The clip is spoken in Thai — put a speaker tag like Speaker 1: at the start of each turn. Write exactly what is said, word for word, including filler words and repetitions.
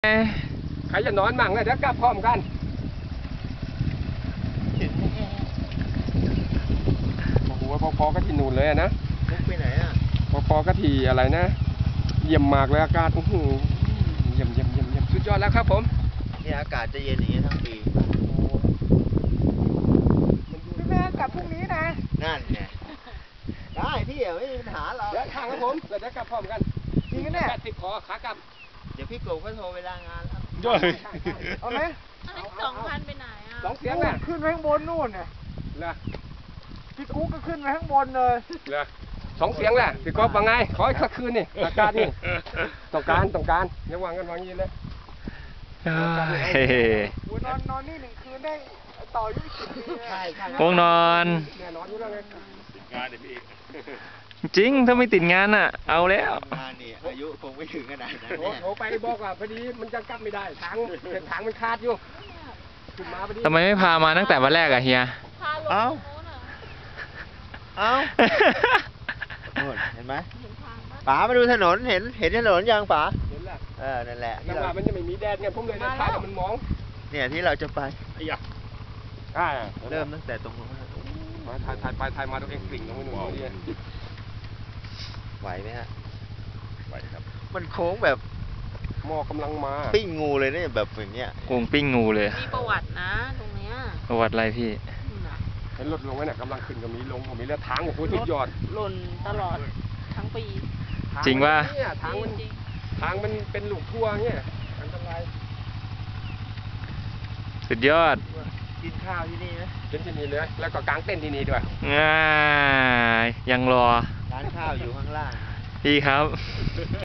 Speaker 1: ใครจะนอนมั่งเลยเดี๋ยวกลับพร้อมกันโอ้โหพอๆก็ที่นู่นเลยนะ
Speaker 2: มุกไปไหนอ่ะ
Speaker 1: พอๆก็ที่อะไรนะเยี่ยมมากเลยอากาศโอ้โหเยี่ยมเยี่ยมเยี่ยมเยี่ยมสุดยอดแล้วครับผม
Speaker 2: เนี่ยอากาศจะเย็นอย่างนี้ทั้งปี
Speaker 3: พี่แม่กลับพรุ่งนี้นะ
Speaker 2: นั่นไงได้พี่ไม่มีปัญหาหรอก
Speaker 1: เดี๋ยวทางครับผมเดี๋ยวกลับพร้อมกัน
Speaker 3: จริงเนี่ย
Speaker 1: แปดสิบขอขากลับ
Speaker 2: เดี๋ยวพี่กบก็โทรเวลางานแล้ว
Speaker 1: ย่อย
Speaker 3: เอาไหม
Speaker 4: สองพันไปไหนอ่ะ
Speaker 1: สองเสียงน่ะ
Speaker 3: ขึ้นไปข้างบนนู่นเนี่ย
Speaker 1: เหรอ
Speaker 3: พี่กุ๊กก็ขึ้นไปข้างบนเลย
Speaker 1: เหรอสองเสียงแหละพี่ก๊อฟว่าไงขออีกสักคืนนี่อากาศนี่ต้องการต้องการอย่าวางกันวางยีนเลย
Speaker 5: เฮ้ย
Speaker 3: นอนนอนนี่หนึ่งคืนได้ต่อยี่สิบปี
Speaker 2: ใช่ใช่
Speaker 5: พวกนอน
Speaker 1: แน่นอนอยู่แล้วไงงานเดี๋ยวพี่
Speaker 5: จริงถ้าไม่ติดงานอ่ะเอาแล้ว
Speaker 2: งานนี่อายุคงไม่ถึงขนาดนั้น
Speaker 1: โทรไปบอกว่าพอดีมันจะกลับไม่ได้ทางเส้นทางมันขาดอยู่ขึ้นมาพอดี
Speaker 5: ทำไมไม่พามาตั้งแต่วันแรกอะเฮีย
Speaker 2: เอ้าเอ้าเห็นไหมป๋ามาดูถนนเห็นเห็นถนนยังป๋า
Speaker 1: เห็นแล้ว
Speaker 2: เออนั่นแหละ
Speaker 1: จังหวะมันจะไม่มีแดดเนี่ยผมเลยเดินทางแล้วมันมอง
Speaker 2: เนี่ยที่เราจะไป
Speaker 1: ไอ้ยะอ่า
Speaker 2: เริ่มตั้งแต่ตรงนู้น
Speaker 1: มาถ่ายถ่ายไปถ่ายมาตัวเองกลิ่งตรงนู้นนี่
Speaker 2: ไหวไหมฮะ
Speaker 1: ไหวครับ
Speaker 2: มันโค้งแบบ
Speaker 1: หม้อกำลังมา
Speaker 2: ปิ้งงูเลยเนี่ยแบบอย่างเงี้ย
Speaker 5: โกงปิ้งงูเลย
Speaker 4: มีประวัตินะตรงเนี้ย
Speaker 5: ประวัติอะไรพี่
Speaker 1: เห็นรถลงไว้เนี่ยกำลังขึ้นก็มีลงก็มีแล้วทางโอ้โหทุกยอด
Speaker 4: หล่นตลอดทั้งปี
Speaker 5: จริงว่า
Speaker 1: ทางมันทางมันเป็นลูกทั่วเนี่ยอันตราย
Speaker 5: สุดยอด
Speaker 2: กินข้าวที่นี่ไหม
Speaker 1: กินที่นี่เลยแล้วก็กางเต้นที่นี่ด้วย
Speaker 5: ง่ายยังรอ
Speaker 2: ร้านข้าวอยู่ข้างล่าง
Speaker 5: พี่ครับ